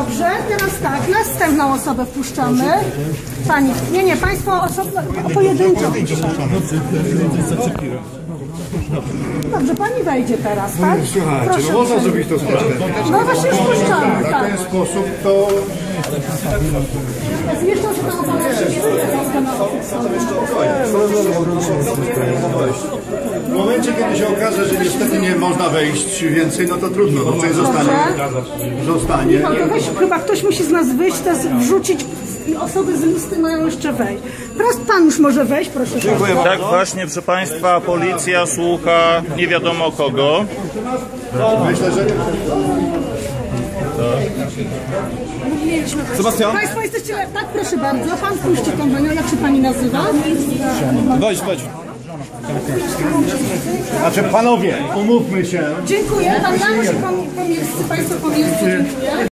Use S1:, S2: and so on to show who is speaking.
S1: Dobrze, teraz tak, następną osobę wpuszczamy. Pani, nie, państwo osobno, pojedynczo wpuszczamy. Dobrze, pani wejdzie teraz, tak?
S2: Słuchajcie,
S1: Proszę,
S2: no można zrobić to sprawę.
S1: no właśnie już puszczamy,
S2: W
S1: tak.
S2: ten sposób to...
S1: Jeszcze że tam
S2: W momencie, kiedy się okaże, że niestety nie można wejść więcej, no to trudno, no coś zostanie.
S1: No to weź, chyba ktoś musi z nas wyjść, teraz wrzucić i osoby z listy mają jeszcze wejść. Teraz pan już może wejść, proszę. Dziękuję
S3: bardzo. Tak właśnie, proszę państwa, policja słucha nie wiadomo kogo.
S2: Myślę, że...
S1: Sebastian? Państwo jesteście... Tak, proszę bardzo. Pan puści tą panią. Jak się pani nazywa?
S4: Wejdź.
S2: Znaczy panowie, umówmy się.
S1: Dziękuję. Pan Janusz pomieszczy, państwo pomieszczy. Dziękuję.